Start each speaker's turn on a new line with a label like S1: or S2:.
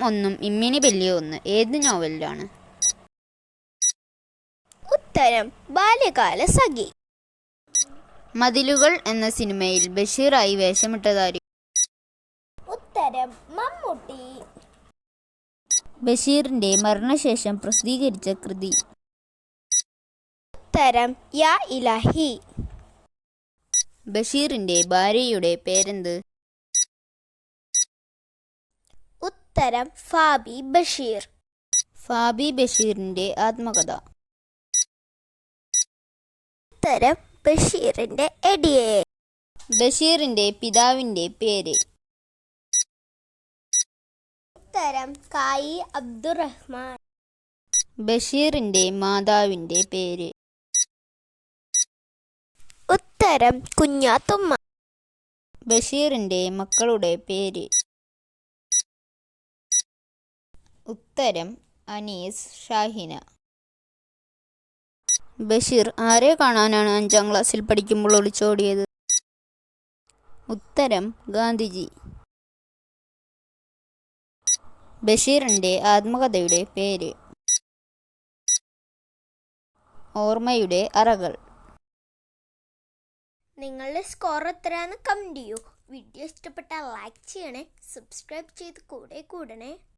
S1: ഒന്നും ഇമ്മിണി ബല്യ ഒന്ന് ഏത് നോവലിലാണ്?
S2: ഉത്തരം ബാല്യകാല സഖി.
S1: മതിലുകൾ എന്ന സിനിമയിൽ ബഷീറായി വേഷമിട്ടതാര്?
S2: ഉത്തരം മമ്മൂട്ടി.
S1: ബഷീറിന്റെ മരണശേഷം പ്രസിദ്ധീകരിച്ച കൃതി?
S2: ഉത്തരം യാ ഇലാഹി.
S1: ബഷീറിന്റെ ഭാര്യയുടെ പേരെന്ത്?
S2: ഉത്തരം ഫാബി ബഷീർ.
S1: ഫാബി ബഷീറിന്റെ ആത്മകഥ?
S2: ഉത്തരം ബഷീറിന്റെ എടിയെ.
S1: ബഷീറിന്റെ പിതാവിന്റെ പേര്?
S2: ഉത്തരം കായി അബ്ദുറഹ്മാൻ.
S1: ബഷീറിന്റെ മാതാവിന്റെ പേര്?
S2: ഉത്തരം കുഞ്ഞാത്തുമ്മ.
S1: ബഷീറിന്റെ മക്കളുടെ പേര്? ഉത്തരം അനീസ്, ഷാഹിന. ബഷീർ ആരെ കാണാനാണ് 5ാം ക്ലാസ്സിൽ പഠിക്കുമ്പോൾ ഒളിച്ചോടിയത്? ഉത്തരം ഗാന്ധിജി. ബഷീറിന്റെ ആത്മകഥയുടെ പേര്? ഓർമ്മയുടെ അറകൾ.
S2: നിങ്ങളുടെ സ്കോർ എത്രയാണെന്ന് കമന്റ് ചെയ്യൂ. വീഡിയോ ഇഷ്ടപ്പെട്ടാൽ ലൈക്ക് ചെയ്യണേ, സബ്സ്ക്രൈബ് ചെയ്ത് കൂടെ കൂടണേ.